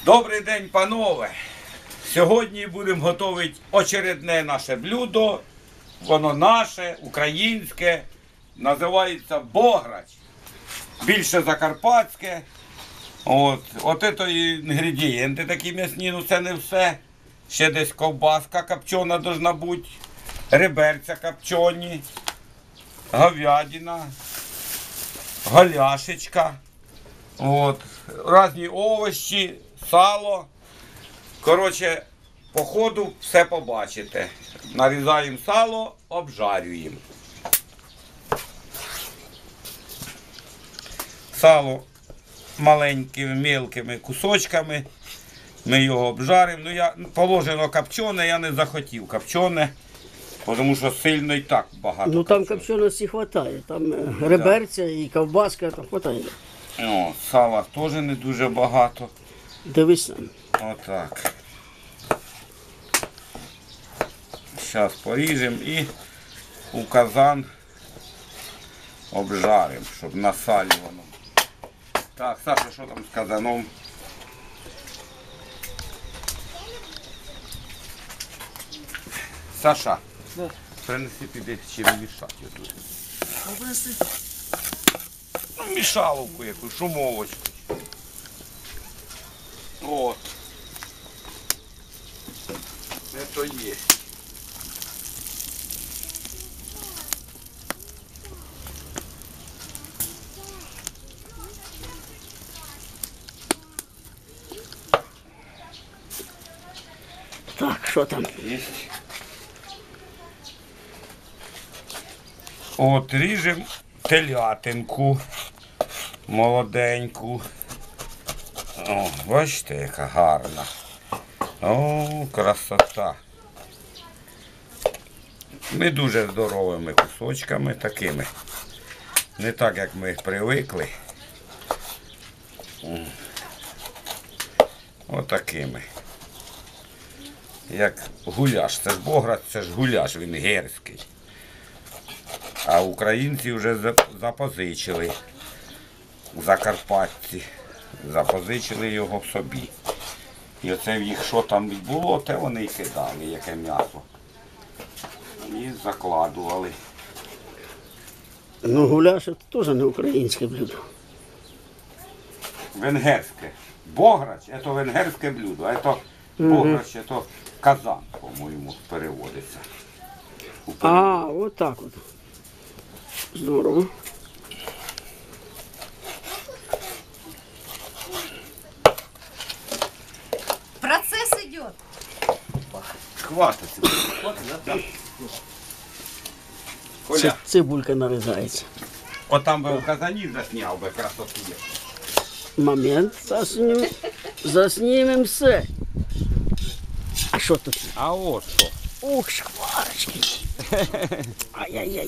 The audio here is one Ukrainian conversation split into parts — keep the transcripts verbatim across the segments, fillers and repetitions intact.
Добрий день, панове! Сьогодні будемо готувати очередне наше блюдо. Воно наше, українське, називається бограч. Більше закарпатське. От, от це інгредієнти такі м'ясні, ну це не все. Ще десь ковбаска копчена должна бути, реберця копчені, говядина, голяшечка. От, різні овочі, сало. Коротше, по ходу все побачите. Нарізаємо сало, обжарюємо. Сало маленькими, мілкими кусочками. Ми його обжаримо. Ну, я положено копчене, я не захотів копчене, тому що сильно і так багато. Ну там копченості вистачає, там е, реберця і ковбаска, там вистачає. О, сала теж не дуже багато. Дивись там. Отак. Зараз поріжемо і у казан обжаримо, щоб на салі воно. Так, Саша, що там з казаном? Саша, Да. принеси піди чим мішати тут. Ну, мішаловку якусь, шумовочку. От. Це то є. Так, що там? Єсть. От ріжемо телятинку молоденьку. О, бачите, яка гарна. О, красота. Не дуже здоровими кусочками такими. Не так, як ми привикли. Отакими. Як гуляш. Це ж бограч, це ж гуляш, він герський. А українці вже запозичили, закарпатці, запозичили його собі. І оце в їх що там було, те вони й кидали, яке м'ясо. І закладували. Ну гуляш це теж не українське блюдо. Венгерське. Бограч – це венгерське блюдо, а це бограч – це казан, по-моєму, переводиться. А, от так от. Здорово. Процесс идет. Хватиться. Хватиться, да? Коля, Це цибулька нарізається. от там би в казані засняв би красоту. Момент, заснімемо. Заснімемо все. А що тут? А от що? Ух, шкварочки. Ай-яй-яй.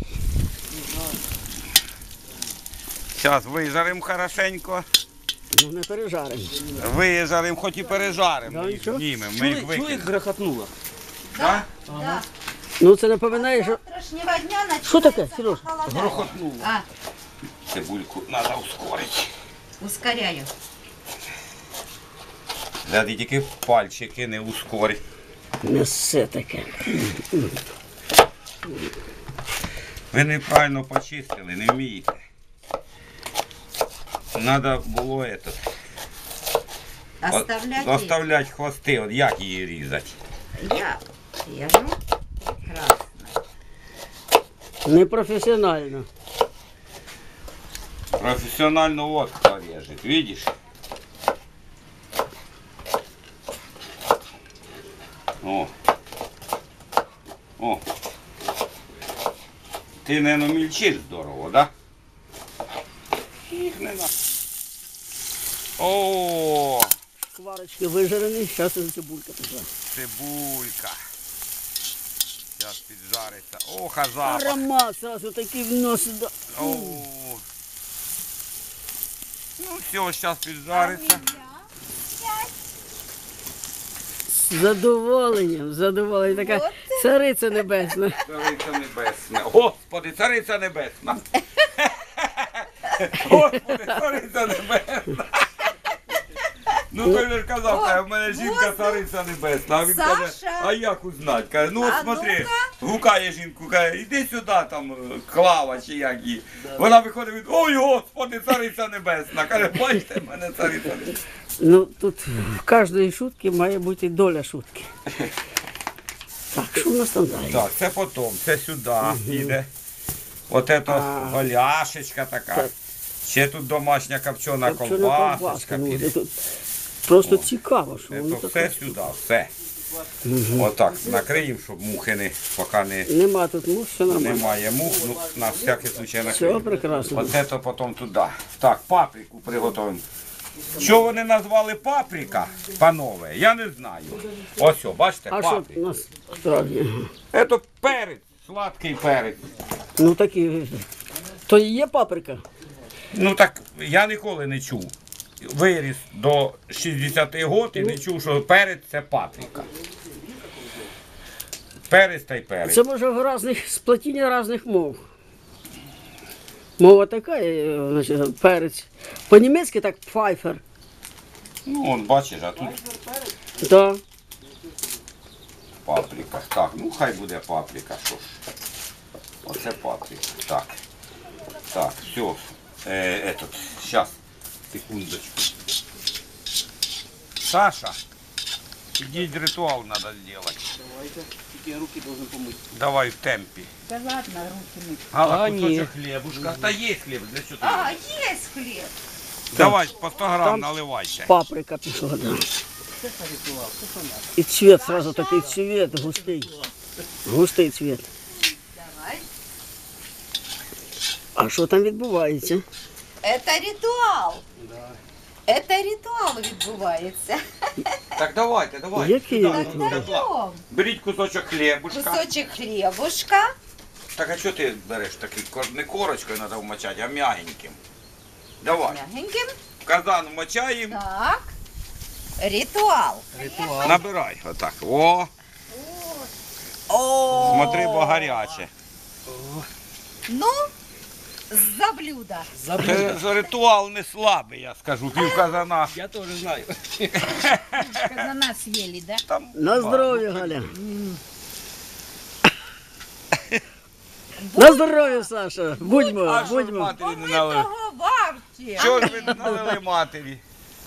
Зараз вижаримо хорошенько. Ну не пережаримо. Вижаримо, хоч і пережаримо. Да, Ми їх нічого. знімемо, ми їх викинемо. грохотнуло? Да? Да. Ну це напоминає, що... Завтрашнего дня начинается Що таке, Сереж? похолодание. Грохотнуло. А, Цибульку треба ускорити. ускоряю. Гляди, тільки пальчики не ускорить. М'ясе таке. Ви неправильно почистили, не вмієте. Треба було этот, Оставлять оставляти хвости, от як її різати. я режу красно. Непрофесіонально. Професіонально от хто режет, видиш? О. О. Ти, мабуть, мільчиш здорово, да? Їх не надо. О, Шкварочки вижарені, зараз і цибулька пішла. цибулька. Зараз піджариться. Ох, а запах. Аромат сразу такий вносить. Да. О. Ну все, зараз піджариться. З задоволенням, з задоволенням. Така цариця небесна. Цариця небесна. Господи, цариця небесна. Господи, цариця небесна. Ну, той же ж казав, О, каже, в мене жінка воздух. цариця небесна. А він каже, Саша. а як узнать? Каже, ну от А смотри, ну-ка. гукає жінку, каже, іди сюди, там, е, Клава чи як її. Вона виходить, від, ой, Господи, цариця небесна. Каже, бачите, в мене цариця небесна. Ну, тут в кожної шутки має бути доля шутки. Так, що в нас там далі? Так, це потім, це сюди йде. От це А. голяшечка така. Так. Ще тут домашня копчена Копчена ковбасочка. ковбаска, ну, піде. тут просто цікаво, що воно Це таке. все сюди, все. Отак, накриємо, щоб мухи не, поки не, Нема тут мух, все нормально. немає мух, ну, на всякий случай Все накриємо. прекрасно. Оце то потім туди. Так, паприку приготуємо. Що вони назвали паприка, панове, я не знаю. Ось, о, бачите, А що паприка. у нас справді? Це перець, сладкий перець. Ну такі. То і є паприка. Ну так я ніколи не чув. Виріс до шістдесяти років і не чув, що перець це паприка. Перець та й перець. Це може в різних сплетіння різних мов. Мова така, е, значить, перець. По-німецьки так пфайфер. Ну, он бачиш, а тут Да. паприка. Так, ну хай буде паприка, що ж. Оце паприка. Так. Так, все. Е, этот, сейчас, секундочку. Саша, ідіть ритуал надо сделать. Давайте, тільки я руки должен помити. Давай в темпі. Да ладно, руки мыть. Гала, А, кусочок ні. хлібушка. Та є хліб, для чого ти? А, есть хлеб. Давай, по сто грам Там- наливайте. Паприка пішла, да. І цвет сразу такий цвет густий. Густий цвет. Давай. А що там відбувається? Это ритуал. Это ритуал відбувається. Так давайте, давайте. Який Сюди, ритуал? ну, Так, тепла. даем. Беріть кусочок хлібушка. Кусочек хлебушка. Так а що ти береш такий? Кор- Не корочкою треба вмочати, а м'ягеньким. Давай. Мягеньким. В казан вмочаємо. Так. Ритуал. Набирай. Отак. О, О, смотри, бо гаряче. Ну, за блюдо. Це ритуал не слабий, я скажу. Пів казана. Я тоже знаю. Казана съели, да? Там На здоров'я, Галя. На здоров'я, Саша. Будьмо, А що ж будьмо. матері не налили? Того бабці. Чого ж ви не налили матері?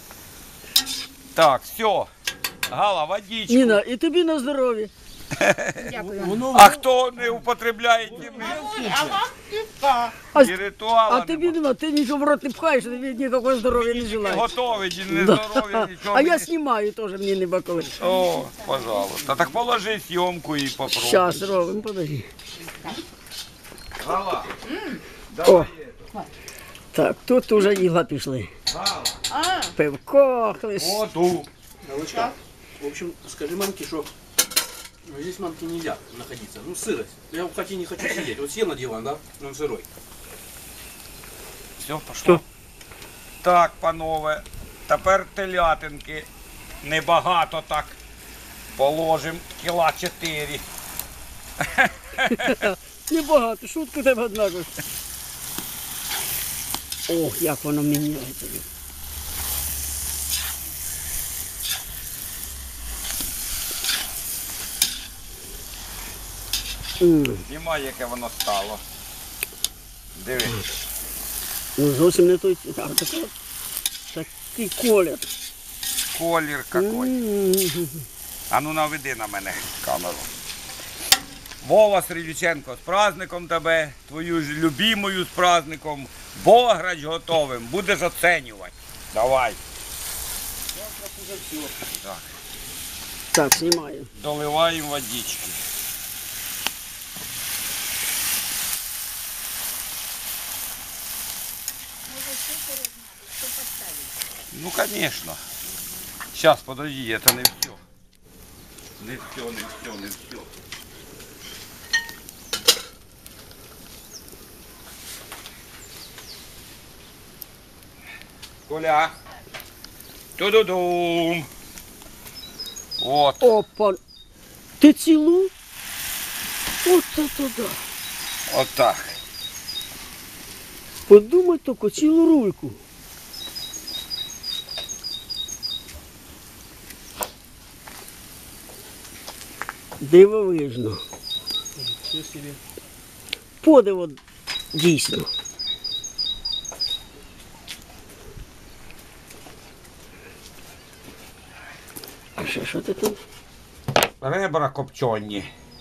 Так, все. Гала, водичку. Ніна, і тобі на здоров'я. Дякую. А хто не употребляє ті А вам півка. А, і ритуала а тобі нема, ти нічого в рот не пхаєш, тобі ніякого здоров'я не не желаєш. готовить, і не Да. здоров'я, нічого. А я мені- знімаю теж, мені не бакови. О, пожалуйста. Так положи съемку і попробуй. Щас робимо, подожди. Гала, О, так, тут уже їла пішли. Гала, А, Пивко, хлиш. о, ту. Галочка, в общем, скажи мамке, что ну, здесь мамке нельзя находиться. Ну, сырость. Я в хате не хочу сидеть. Вот сел на диван, да? Он сырой. Все, пошло. Так, панове, тепер телятинки. Небагато так. Положимо кіла чотири. Небагато, шутку тебе однаково. Ох, як воно міняється. М, Знімай, яке воно стало. Диви. Ну, зовсім не той. А, такий, такий колір. Колір какой. М, А ну наведи на мене камеру. Вова Срідюченко, з праздником тебе, твою ж любимою з праздником. Бограч готовим, будеш оцінювати. Давай. Так, Так, знімаю. доливаємо водички. Ну, конечно. Сейчас, подожди, это не все. Не все, не все, не все. Коля. Ту-ду-дум. Вот. Опа. Ти цілу? От це туди. Вот так. Подумай тільки, цілу рульку. Дивовижно. Все себе. Подиво дійсно. А ще що ти тут? Ребра копчені.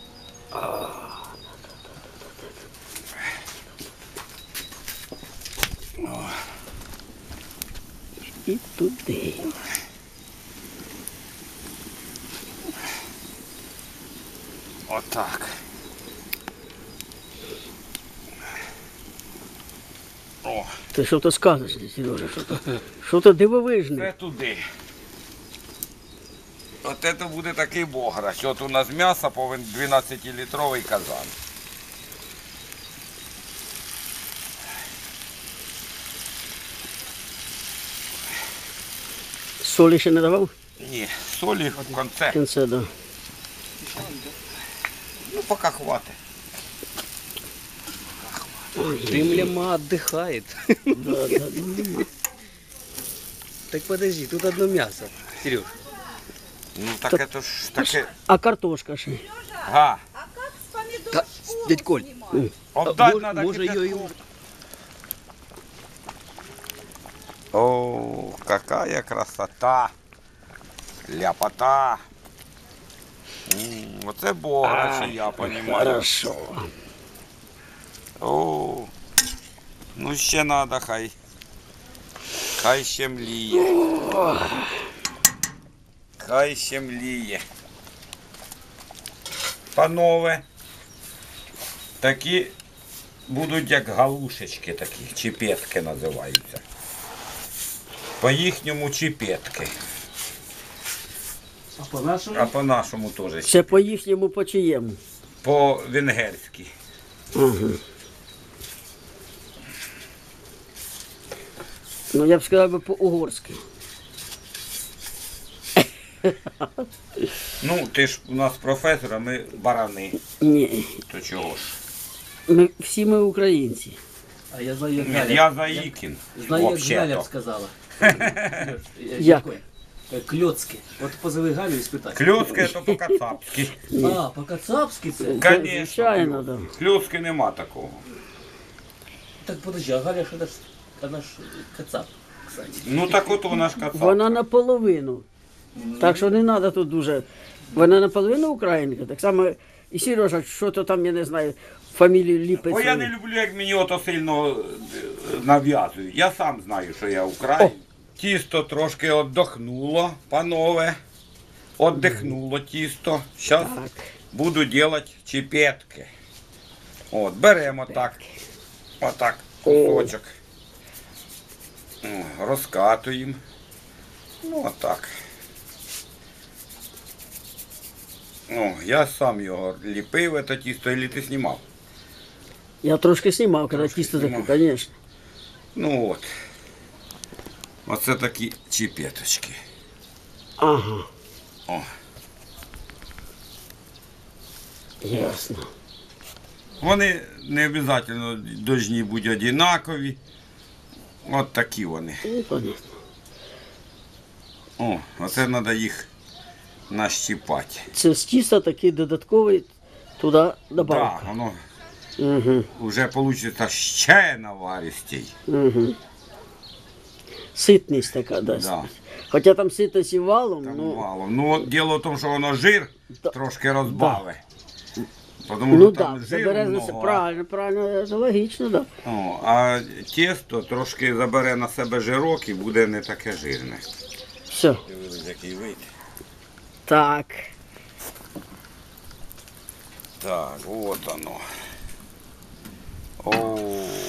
І туди. Отак. О, Ти що то скажеш, Сережа? Що то, що то дивовижне? це туди. От це буде такий бограч. От у нас м'ясо повинен дванадцятилітровий казан. Солі ще не давав? Ні, солі в конце. В кінці, да. Ну, поки хватить. Дымляма отдыхает. Да, да, да. Так подожди, тут одно мясо. Сереж. Ну так це ж таке. А картошка ще? Га. А как с помидор Да, шкуру дядь Коль. снимать? Обдать Мож- надо може, кипятком. її- О, какая красота. Ляпота. М, Оце бограч, я розумію. Хорошо. О, ну ще треба, хай. Хай ще мліє. Хай ще мліє. Панове, такі будуть як галушечки такі, чіпетки називаються. По їхньому чіпетки. А по-нашему? А по-нашому теж. Це по їхньому по чиєму? По-венгерськи. Ага. Ну, я б сказав би по-угорськи. Ну, ти ж у нас професор, а ми барани. Ні, То чого ж? ми, всі ми українці. А я знаю, як Ні, Галя. я Заїкін. Знаю, як Галя б Взагалі-то. сказала. Як? Кльоцки. От позови Галю і спитай. Кльоцки то по-кацапськи. А, по-кацапськи це? Конечно. Звичайно, да. Кльоцки нема такого. Так подожди, а Галя ж вона ж, вона ж кацап, кстати. Ну так от вона ж кацап. Вона наполовину. Так що не треба тут дуже. Вона наполовину українка. Так само і Сережа, що то там, я не знаю, фамілію ліпить. Бо я не люблю, як мені ото сильно е, нав'язують. Я сам знаю, що я українець. Тісто трошки віддохнуло, панове. Віддихнуло тісто. Зараз Так. буду робити чіпетки. От, беремо так. Отак, кусочок. О, розкатуємо. Ну, отак. О, я сам його ліпив, це тісто, і ти знімав. Я трошки знімав, коли Трошки тісто таке, знімав. звісно. Ну от. Оце такі чіпеточки. Ага, О. ясно. Вони не обов'язково повинні бути однакові. От такі вони. Ну, понятно. О, оце треба їх нащіпати. Це з тіста такий додатковий туди Так, добавка. да, воно Угу, вже вийде ще наваристій. угу. Ситність така дасть. Да. Хоча там ситність і валом, Там ну, мало. Ну, от діло в тому, що воно жир Да. трошки розбавить. Тому ну що там так, жиру забере на много, себе. а- Правильно, правильно, це логічно, так. Да. О, а тісто трошки забере на себе жирок і буде не таке жирне. Все. Дивись, який вийде. Так. Так, от оно. О.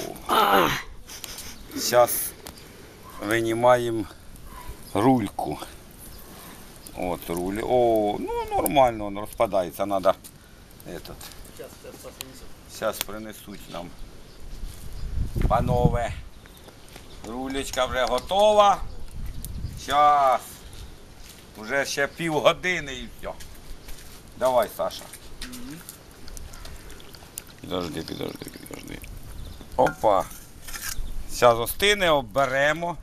Зараз винімаємо рульку. От руль. О, ну нормально, він розпадається, треба этот. Зараз принесуть нам. Панове. Рулечка вже готова. Зараз. Уже ще півгодини і все. Давай, Саша. Підожди, підожди, підожди. Опа. Зараз остине, обберемо.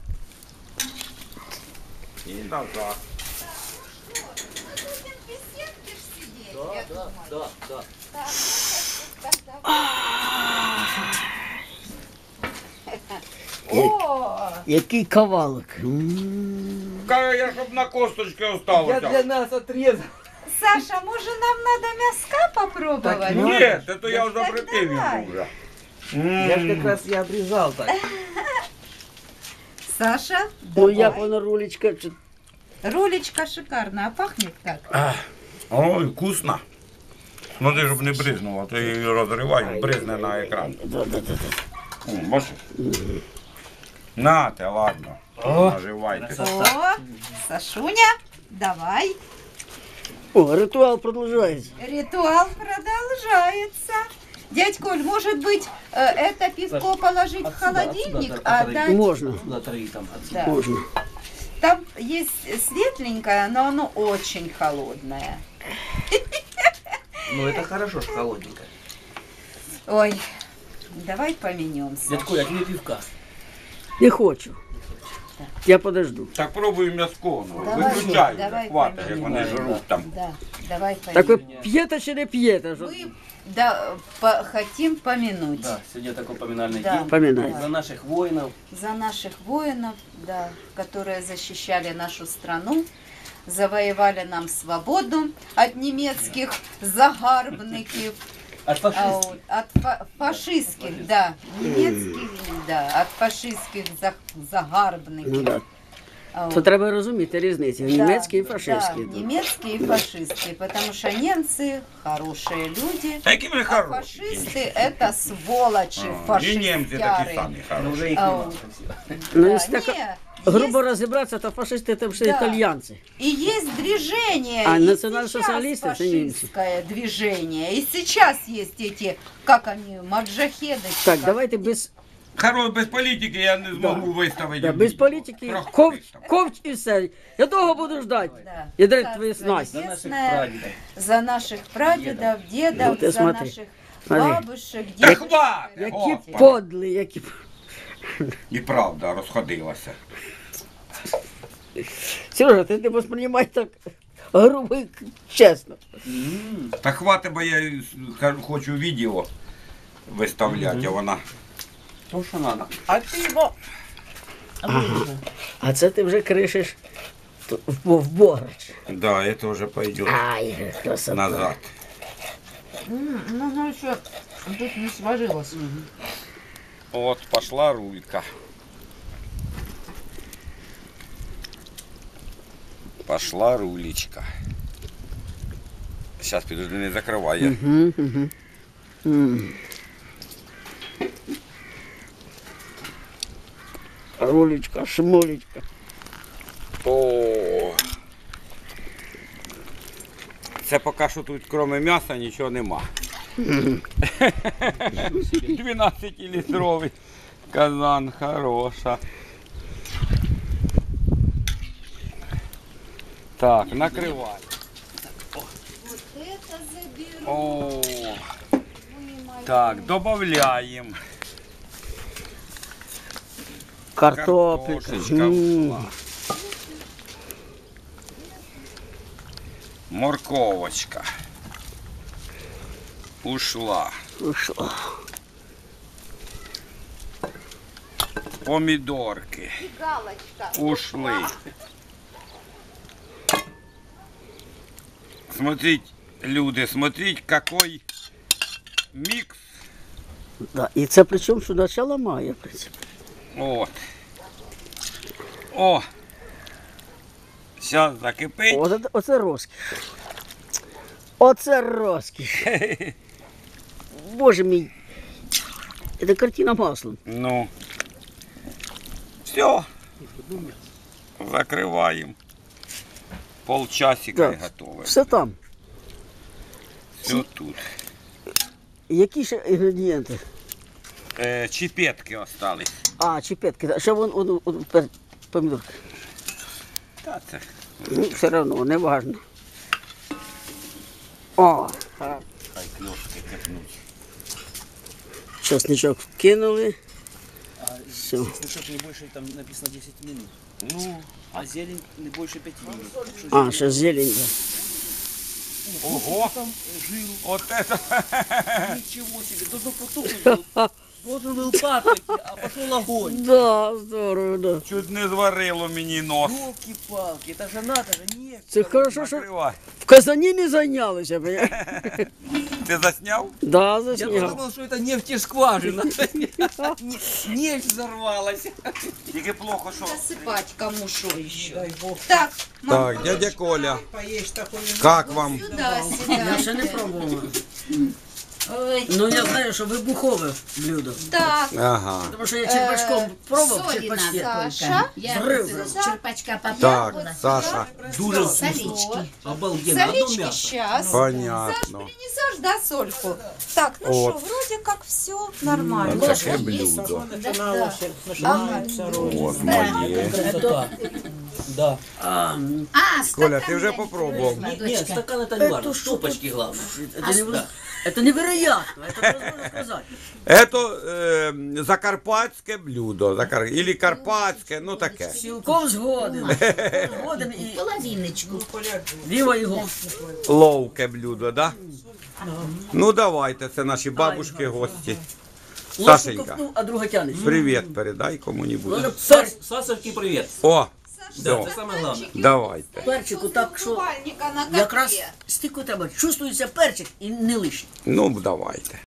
І назад. Без сетки ж сидеть. Да, да, да. О, Який кавалок. М. Каже, я щоб на косточки Я оставився. для нас отрезал. Саша, може нам надо мяска попробовать? Ні, це то я вже Так запретив давай. йому вже. Я ж как раз я обрезал так. Саша, Ну давай. як вона рулечка? чи- Рулечка шикарная, а пахнет как? Ой, вкусно. Ну ти ж не бризнула, а то її розриваєш, бризне на екран. Да, да, да, да. О, бачиш? Нате, ладно. Наживайте. О, Сашуня, давай. О, ритуал продовжується. Ритуал продолжается. Дядь Коль, может быть, э, это пивко положить в Отсюда, холодильник, отсюда, а отсюда. дать... Можна, Туда три там. отсюда. Да. можна. Там есть светленькое, но оно очень холодное. Ну это хорошо, что холодненькое. Ой, давай поменемся. Дядько, я тебе пивка. Не хочу. Я подожду. Так пробуй м'язко, ну, Давай, виключай, давай, хватить, як поймемо. вони жруть там. Да, давай Так ви поменемся. п'єте чи не п'єте? Що- Мы да, по- хотим помянуть Да, сегодня такой поминальный Да. день. Поминай. За наших воинов. за наших воинов, да, которые защищали нашу страну, завоевали нам свободу от немецких загарбников, От а фашистов. от, от фа- фашистских, да, немецких, да, от фашистских за- Ну, загарбників. да. А То от. треба розуміти різницю. Німецький і Да, фашистський. Да, немецкие и фашистские, потому что немцы хорошие люди, Та які ви а хороші. фашисты это сволочи, А, І німці такі фашистяры. самі Но хороші. уже их А, нема вот. совсем. Ну, Да, якщо так не, грубо есть- розібратися, то фашисти це вже Да. італьянці. И есть движение, А и национал-социалисты сейчас это немцы. фашистское движение, и сейчас есть эти, как они, маджахеды. Так, как- давайте без, Хорош, без політики я не зможу виставити. да, без політики. Трохи Ковч, виставлю. ковч і все. Я довго буду ждати. Да. Я драть Царство твої снасті. За наших Небесное, прадедов. за наших прадедов, дедов, Ну, ты за смотри, наших смотри. бабушек, Та дедушек. хватить, Які Господи. подлі, які... І правда, розходилася. Сережа, ти не восприймай так грубо і чесно. М, Та хватить, бо я х- хочу відео виставляти, а вона. То, что надо. А ты его... А це ти вже кришиш то- в, бо- в бограч. Да, це вже пойде Ай, красота. назад. М, Ну, ну еще тут не сварилось. От, пішла рулька. Пошла рулечка. Зараз підожди, не закриває. Угу, угу. М. Рулечка, шмулечка. О. Це поки що тут, крім м'яса, нічого нема. дванадцятилітровий казан, хороша. Так, накривай. Это заберу. О, так, додаємо. Картопелька. Картошечка М. пішла. Морковочка. Ушла. Ушла. Помідорки. Галочка. Ушли. Смотрите, люди, смотрите, какой микс. Да. І це причому, що начало має, в принципі. Вот. О! Сейчас закипить. Оце, оце розкіш. Оце розкіш. Боже мій. Це картина маслом. Ну. Все. Закрываем. Полчасика и Да. готово. Все там. Все тут. Які ще інгредієнти? Е, чіпетки остались. А, чіпетки. Ще вон, вон, вон пер- помідорки. Та це. Ну, все одно, не важно. О, Хай кльошки кипнуть. чесничок вкинули. Все. Слышишь, не больше, там написано десять минут. Ну, А зелень не больше пяти минут. Так что А, зелень- ще зелень. Да. Ого! Там жил. От это. Ничего себе. Должно потухнуть. Должен был падать, а пошел огонь. Да, здорово, да. Чуть не зварило мені нос. Елки-палки, это же надо же, нет. Це хорошо, що Накривай. в Казані не зайнялися. понимаєш? Ти засняв? Да, Я засняв. подумал, что это нефтескважина. Нефть взорвалась. Тільки плохо, що. Засыпать кому шо еще. Дай бог. Так, мам, Так, дядя Коля, Поесть такое. як вам? сюда, Я ще не сюда. пробувала. Ой, Ну я знаю, що вибухове блюдо. так, Ага. Тому що я черпачком пробував, Солі черпачки. надо Саша. Я Взрыв. з черпачка попробувала. Так, Саша, Дуже Солички. обалденно. Одно Солички мясо. сейчас. Саш, понятно. принесешь, да, сольку? Так, ну Вот. что, вроде как все нормально. Таке блюдо. Начиналось, Ага. начинается роли. От моє. Красота. Да. А, А, Коля, ти вже попробував? Нет, нет, стакан это не важно. Стопочки главное. это, неверо- это невероятно, это невозможно сказать. Это е, закарпатське блюдо. Закар... Ілі карпатське, ну таке. Цілком згоден. Згоден і половиночку. віва його. Ловке блюдо, да? Ну давайте, це наші бабушки, гості. Ложку Сашенька, ковтнув, а друга тянеш. привіт передай кому-нибудь. Надо пер, Сасовки, привет. О, Да, все, это самое главное. давайте. перчику так, що Купальника на якраз котле. стільки треба. Чувствується перчик і не лишній. Ну, давайте.